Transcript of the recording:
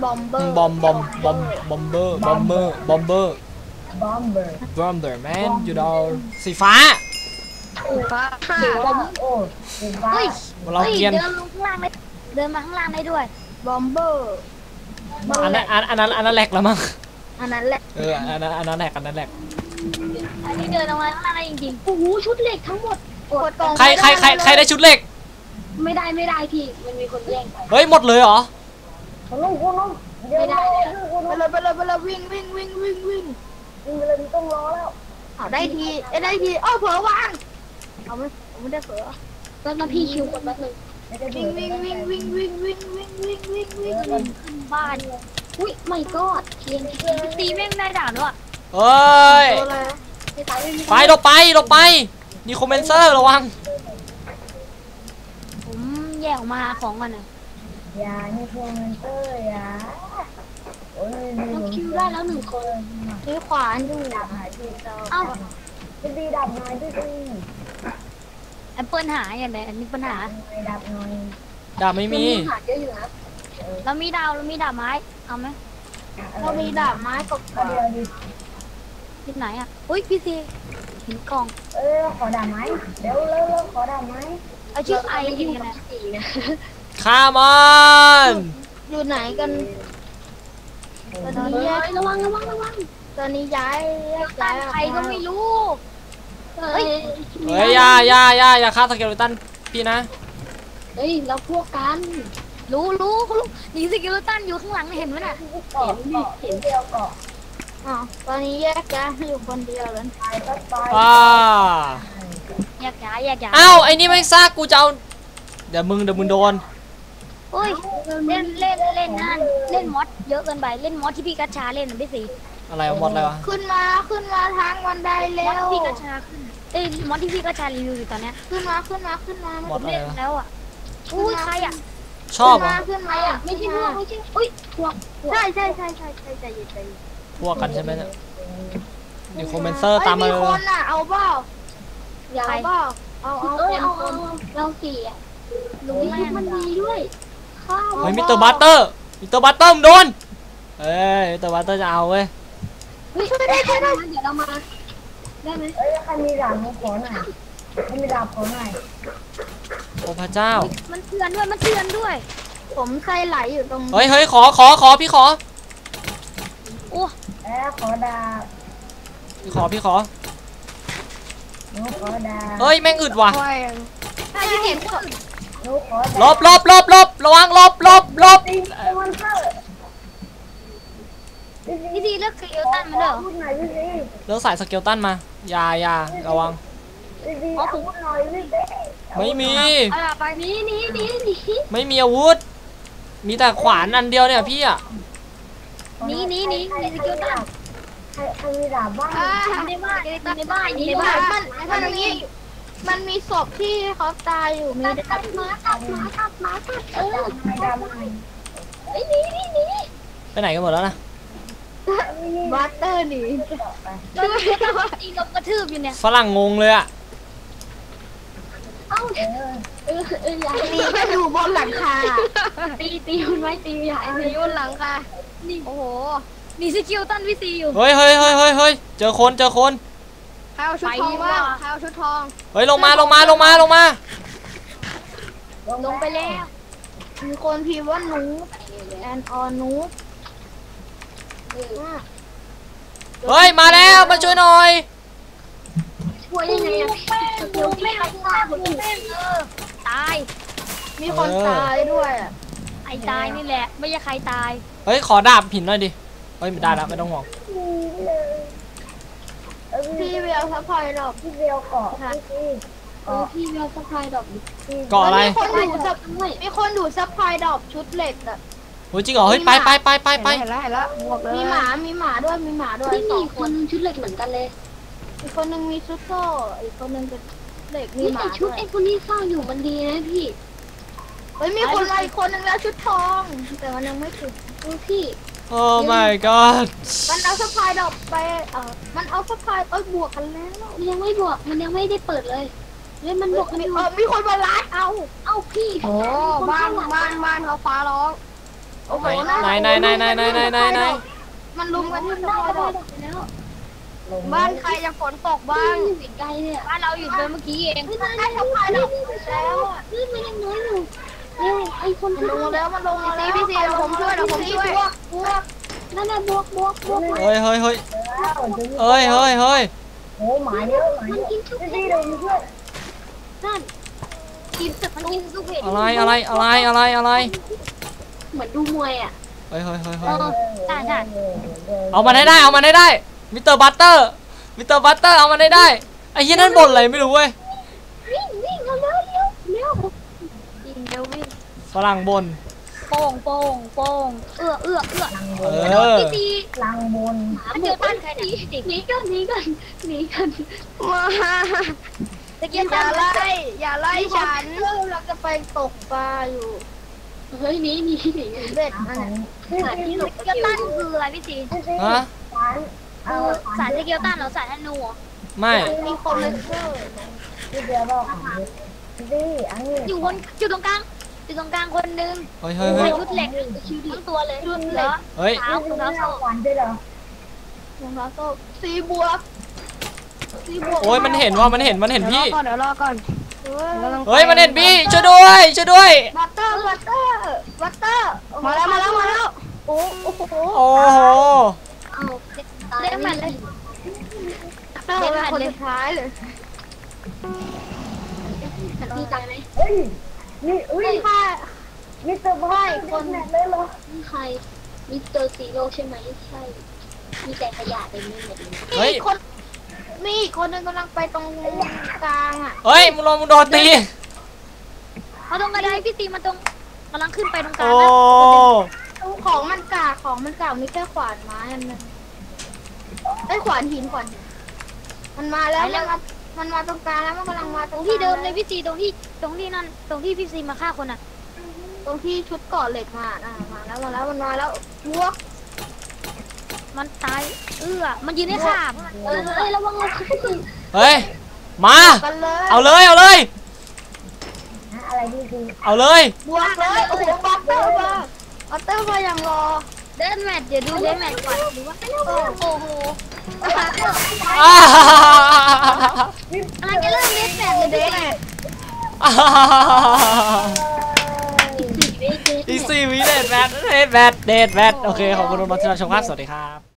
บอมเบอร์บอมเบอร์บอมเบอร์แมนอยู่ดาวสีฟ้าเฮ้ยเราเกียนเดินลงข้างล่างได้เดินมาข้างล่างได้ด้วยบอมเบอร์อันนั้นแหลกแล้วมั้งอันนั้นแหละอันนั้นแหลกอันนี้เดินลงมาข้างล่างได้จริงๆโอ้โหชุดเหล็กทั้งหมดกดกล่องใครได้ชุดเหล็กไม่ได้พี่มันมีคนแย่งไปเฮ้ยหมดเลยเหรอไม่ได้ไปเลยวิ่งไปเลยต้องรอแล้วเอาได้ทีเอ้าเผลอวางเอาไม่ได้เผลอแล้วพี่คิวกดแป๊บนึงวิ่งขึ้นบ้านอุ้ยไม่กอดเทียนตีแม่งได้ด่าด้วยเฮ้ยไปเราไปนี่คอมเมนเซอร์ระวังผมแยกออกมาของก่อนนะอย่านี่คอมเมนเตอร์อย่าโอ้ยเราคิวได้แล้ว1 คนด้วยขวานดูเอ้าดีดับหน่อยดีแอปเปิลหายอย่างไรอันนี้ปัญหาดับหน่อยดาบไม่มีเรามีดาบไม้เอาไหมเรามีดาบไม้กับที่ไหนอ่ะอุ้ยพี่ซีเห็นกล่องขอดาบไม้เร็วขอดาบไม้เอาชื่อไออยู่นะคามอนอยู่ไหนกันตอนนี้ระวังตอนนี้ย้ายใครก็ไม่รู้เฮ้ยอย่าฆ่าสเกลตันพี่นะเฮ้ยเราพวกกันรู้นี่สเกลตันอยู่ข้างหลังเห็นไหมน่ะเห็นเดียวก่อนตอนนี้แยกย้ายอยู่คนเดียวแล้วแยกย้ายอ้าวไอ้นี่ไม่ซากกูจะเอาเดี๋ยวมึงโดนเฮ้ยเล่นนั่นเล่นมอสเยอะเกินไปเล่นมอสที่พี่กัญชาเล่นนะพี่สีอะไรมอสอะไรวะขึ้นมาทางวันใดแล้วพี่กัญชาขึ้นมอสที่พี่กัญชารีวิวอยู่ตอนนี้ขึ้นมามอสอะไรแล้วอ่ะอุ้ยใครอ่ะชอบขึ้นมาอ่ะไม่ใช่พวกอุ้ยพวกใช่ใจเย็นพวกกันใช่ไหมเนี่ยนี่คอมเมนเซอร์ตามมาเลยมีคนอ่ะเอาเปล่าอยากเปล่าเอาเราสี่อ่ะรู้ไหมมันดีด้วยเฮ้ยมิสเตอร์บัตเตอร์มโดนเอ้ยมิสเตอร์บัตเตอร์จะเอาเว้ยได้เดี๋ยวเรามาได้ไหมใครมีดาบขอหน่อยมีดาบขอหน่อยโอ้พระเจ้ามันเตือนด้วยผมใครไหลอยู่ตรงเฮ้ยขอพี่ขอโอ้ขอดาบพี่ขอดาบเฮ้ยแม่งอึดว่ะใครที่เห็นลบระวังลบพี่ดีเลือกสเกลตันมาเหรอเลือกสายสเกลตันมาอย่าระวังไม่มีไปนี่ไม่มีอาวุธมีแต่ขวานอันเดียวเนี่ยพี่อ่ะนี่สเกลตันใครมีดาบบ้างในบ้านมันอย่างนี้มันมีศพที่เขาตายอยู่มีตัดหมาตัดนี่ไปไหนกันหมดแล้วนะบัตเตอร์หนีตีกับกระทืบอยู่เนี่ยฝรั่งงงเลยอ่ะตีอยู่บนหลังคาตีคุณไว้ตีใหญ่ตีบนหลังคานี่โอ้โหนี่สกิลตันวิซีอยู่เฮ้ยเจอคนใครเอาชุดทองบ้างเฮ้ยลงมาลงไปแล้วมีคนพิมพ์ว่านูแอนออนูเฮ้ยมาแล้วมาช่วยหน่อยช่วยยังไงอะเดี๋ยวไม่เอาตายมีคนตายด้วยไอ้ตายนี่แหละไม่ใช่ใครตายเฮ้ยขอดาบหินหน่อยดิเฮ้ยไม่ได้แล้วไม่ต้องห่วงพี่เวลซัพพลายดอกพี่เวลเกาะพี่เวลซัพพลายดอกเกาะอะไรมีคนดูซัพพลายดอกชุดเหล็กอะโอ้ยจริงเหรอเฮ้ยไปเห็นแล้วมีหมาด้วยมีคนชุดเหล็กเหมือนกันเลยอีกคนนึงมีชุดโซ่อีกคนนึงเป็นเหล็กมีหมาชุดไอ้คนนี้สร้างอยู่มันดีนะพี่เฮ้ยมีคนมาอีกคนนึงแล้วชุดทองแต่มันยังไม่ถึงพี่โอ้ my god มันเอาซัพพลายดอกไปมันเอาซัพพลายบวกกันแล้วมันยังไม่บวกมันยังไม่ได้เปิดเลยมันบวกกันมีคนมาไล่เอาพี่โอ้บ้านเขาฟ้าร้องโอ้โหไหนมันลุมกันที่สะพานบ้านใครจะฝนตกบ้างไกลเนี่ยบ้านเราอยู่เดินเมื่อกี้เองไม่ได้ไม่ได้แล้วมันยังน้อยอยู่ไอ้คนมันลงแล้วมันลงมาแล้วพี่ซีเดี๋ยวผมช่วยบวกนั่นน่ะบวกเฮ้ยโโอ้หมาเยอะมันกินทุกทีเดินช่วยนั่นกินตึกมันกินทุกเพจอะไรเหมือนดูมวยอ่ะเฮ้ยใช่เอามันให้ได้มิสเตอร์บัตเตอร์เอามันให้ได้ไอ้เหี้ยนั่นบ่นอะไรไม่รู้เว้ยวิ่งเร็ววิ่งเร็ววิ่งฝรั่งบ่นโป่งเอื้อพี่ตีลังบนมันเจอต้านใครเนี่ยหนีกันมาตะเกียบอย่าไล่ฉันเราจะไปตกปลาอยู่เฮ้ยหนีเบ็ดอันนั้นสารที่ตะเกียบต้านคืออะไรพี่ตีฮะสารตะเกียบต้านหรอสารธนูไม่มีคนเลยเชื่ออยู่ตรงกลางคนนึงเฮ้ยใส่ชุดเหล็กทั้งตัวเลยชุดเหล็กเฮ้ยเท้าโซ่รองเท้าโซ่สีบวกโอ้ยมันเห็นพี่เดี๋ยวรอก่อนเฮ้ยมันเห็นพี่ช่วยด้วยบัตเตอร์มาแล้วโอ้โหโอ้โหเอาเล่นมันเลยเล่นคนสุดท้ายเลยฉันดีใจไหมนี่ค่ะมิสเตอร์บอยคนเลยเหรอนี่ใครมิสเตอร์ซีโร่ใช่ไหมใช่มีแต่ขยะเต็มไปหมดเลยเฮ้ยมีอีกคนนึงกำลังไปตรงกลางอ่ะเฮ้ยมึงโดนตีเขาตรงกระไดพี่ตีมาตรงกำลังขึ้นไปตรงกลางโอ้นะของมันกากมีแค่ขวานไม้อันนึงไอ้ขวานหินมันมาแล้วมันมาตรงกลางแล้วมันกำลังมาตรงที่เดิมเลยพี่ตีตรงที่นั่นตรงที่พี่ซีมาฆ่าคนอ่ะตรงที่ชุดเกาะเหล็กมามาแล้วมันมาแล้วบวกมันตายมันยืนให้ฆ่าระวังเราขึ้นเฮ้ยมากันเลยเอาเลยอะไรพี่ซีเอาเลยบวกเลยโอ้โหบัตเตอร์มาอย่างรอเดินแมทเดี๋ยวดูเดินแมทก่อนหรือว่าโอ้โหอ่าอะไรจะเริ่มเดินแมทเลยเดินแมทอีซี่วิเดทแมทโอเคขอบคุณทุกท่านที่รับชมครับสวัสดีครับ